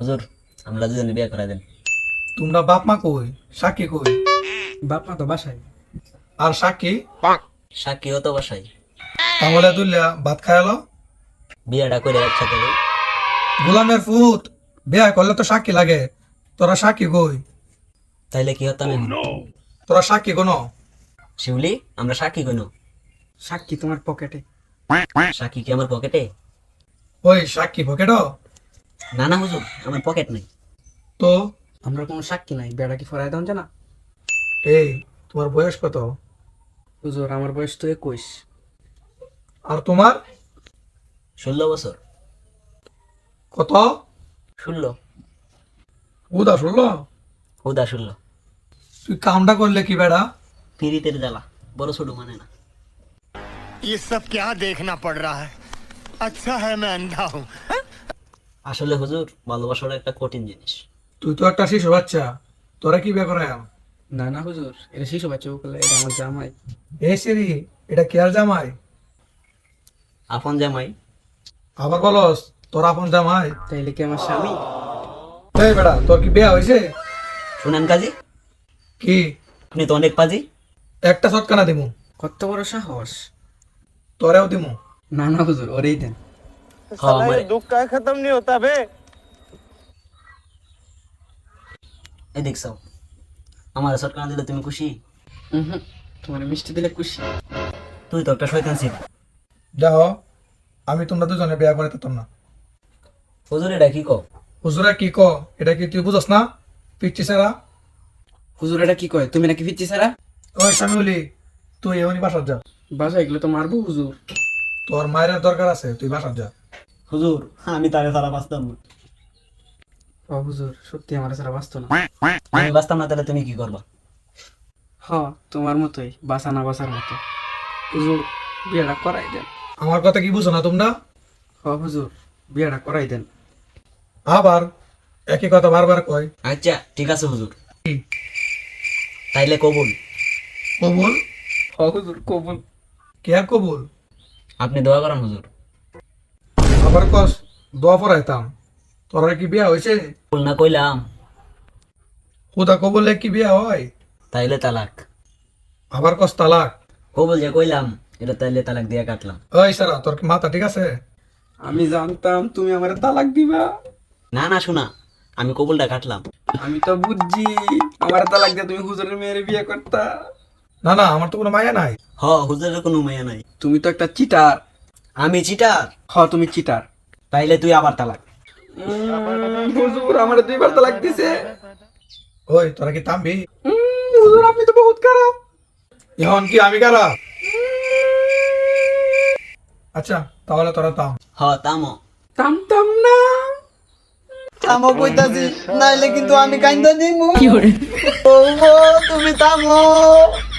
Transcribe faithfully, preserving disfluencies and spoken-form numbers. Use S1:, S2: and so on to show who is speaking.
S1: হুজুর আমরা দুজনে বিয়ে করাই দেন।
S2: তোমরা বাপ মা কই? সাক্ষী কই?
S3: বাপ মা তো বাসায়।
S2: আর সাক্ষী?
S1: সাক্ষীও তো বাসাই।
S2: তাহলে তুলিয়া ভাত খায়ালো।
S1: বিয়েটা করে একসাথে দেই।
S2: গোলামের ফুট বিয়া করলে তো সাক্ষী লাগে, তোরা সাক্ষী কই?
S1: তাইলে কি হতাম এখন?
S2: তোরা সাক্ষী কোন?
S1: শিউলি আমরা সাক্ষী কেন?
S3: সাক্ষী তোমার পকেটে।
S1: সাক্ষী কি আমার পকেটে?
S2: ওই সাক্ষী পকেট?
S1: না না হুজুর, আমার পকেট নেই।
S2: তো
S3: আমরা কোনো সাক্ষী নাই, বেড়া কি ফরাই দেন জানা?
S2: এই তোমার বয়স কত?
S3: হুজুর আমার বয়স তো একুশ।
S2: আর তোমার?
S1: ষোলো বছর।
S2: কত?
S1: ষোলো।
S2: উদা শুনলো?
S1: হুদা ষোলো।
S2: তুই কামটা করলে কি বেড়া?
S1: পিরিতের জ্বালা বড় ছোট মানে না।
S4: ये सब क्या देखना पड़ रहा है। अच्छा है मैं अंधा हूँ।
S1: আসলে হুজুর ভালোবাসাটা একটা কঠিন জিনিস।
S2: তুই তো একটা শিশু বাচ্চা, তোরা কি বিয়ে করায়?
S3: না না হুজুর, এটা শিশু বাচ্চা বলে, এটা আমার জামাই।
S2: এই সিরি, এটা কেয়ার জামাই?
S1: আপন জামাই।
S2: আবার বলস তোর আপন জামাই?
S3: তাইলে কি আমার স্বামী?
S2: এই বেড়া তোর কি বিয়া হয়েছে?
S1: শুনেন কাজী,
S2: কি
S1: আপনি তো অনেক পাজি।
S2: একটা চটকানা দিমু,
S3: কত বড় সাহস!
S2: তোরেও দিমু।
S3: না না হুজুর, ওরেই দেন।
S1: হ্যাঁ, আমারে-
S4: दुख का खत्म नहीं होता बे।
S1: এই দেখছো আমার সরকার দিলে তুমি খুশি?
S3: হুম, তোমার মিষ্টি দিলে খুশি।
S1: তুই তো একটা শয়তান ছিল।
S2: যাও, আমি তোমরা দুজনে বিয়া করে দিতাম না।
S1: হুজুর এটা কি কও?
S2: হুজুরা কি ক? এটা কি তুই বুঝস না? পিচ্ছি সারা।
S3: হুজুর এটা কি কয়? তুমি নাকি ফিরছি সারা?
S2: ওই স্বামী, তুই এমনি বাসার যা।
S3: বাসায় এগুলো তো মারবো হুজুর।
S2: তোর মায়ের দরকার আছে, তুই বাসার যা।
S1: হুজুর আমি তারে সারা বাঁচতাম না।
S3: ও হুজুর, সত্যি আমার সারা বাঁচতো না।
S1: আমি বাঁচতাম না, তাহলে তুমি কি করবা?
S3: হ, তোমার মতোই, বাঁচা না বাঁচার মতো। হুজুর বিয়েটা করাই দেন।
S2: আমার কথা কি বুঝো না তোমরা?
S3: হ হুজুর, বিয়েটা করাই দেন।
S2: আবার একই কথা বারবার কয়।
S1: আচ্ছা ঠিক আছে হুজুর, তাইলে কবুল।
S2: কবুল?
S3: হ হুজুর কবুল।
S2: কে আর কবুল?
S1: আপনি দোয়া করেন হুজুর।
S2: আবার কস দোয়া পড়াইতাম। তোরা কি বিয়া হয়েছে?
S1: কবুল না কইলাম
S2: হুদা কবুলে কি বিয়া হয়?
S1: তাইলে তালাক।
S2: আবার কস তালাক?
S1: কবুল যে কইলাম এটা তাইলে তালাক দিয়ে কাটলাম।
S2: ওই সারা, তোর কি মাথা ঠিক আছে?
S3: আমি জানতাম তুমি আমার তালাক দিবা।
S1: না না শোনা, আমি কবুলটা কাটলাম।
S3: আমি তো বুঝছি আমার তালাক দিয়ে তুমি হুজুরের মেয়ের বিয়ে করতা।
S2: না না, আমার তো কোনো মায়া নাই।
S1: হ হুজুরের কোনো মায়া নাই।
S3: তুমি তো একটা চিটার।
S1: আমি চিটার?
S3: হ তুমি চিটার।
S1: তাইলে তুই আবার তালাক।
S3: উম, হুজুর আমার দুইবার তালাক দিছে।
S2: ওই তোরা কি থামবি?
S3: উম, হুজুর আপনি তো বহুত খারাপ।
S2: এখন কি আমি খারাপ? আচ্ছা তাহলে তোরা থাম।
S1: হ তামো।
S3: থামতাম না।
S1: থামো কইতাছি, নাইলে কিন্তু আমি কাইন্দা দিমু। ও তুমি থামো।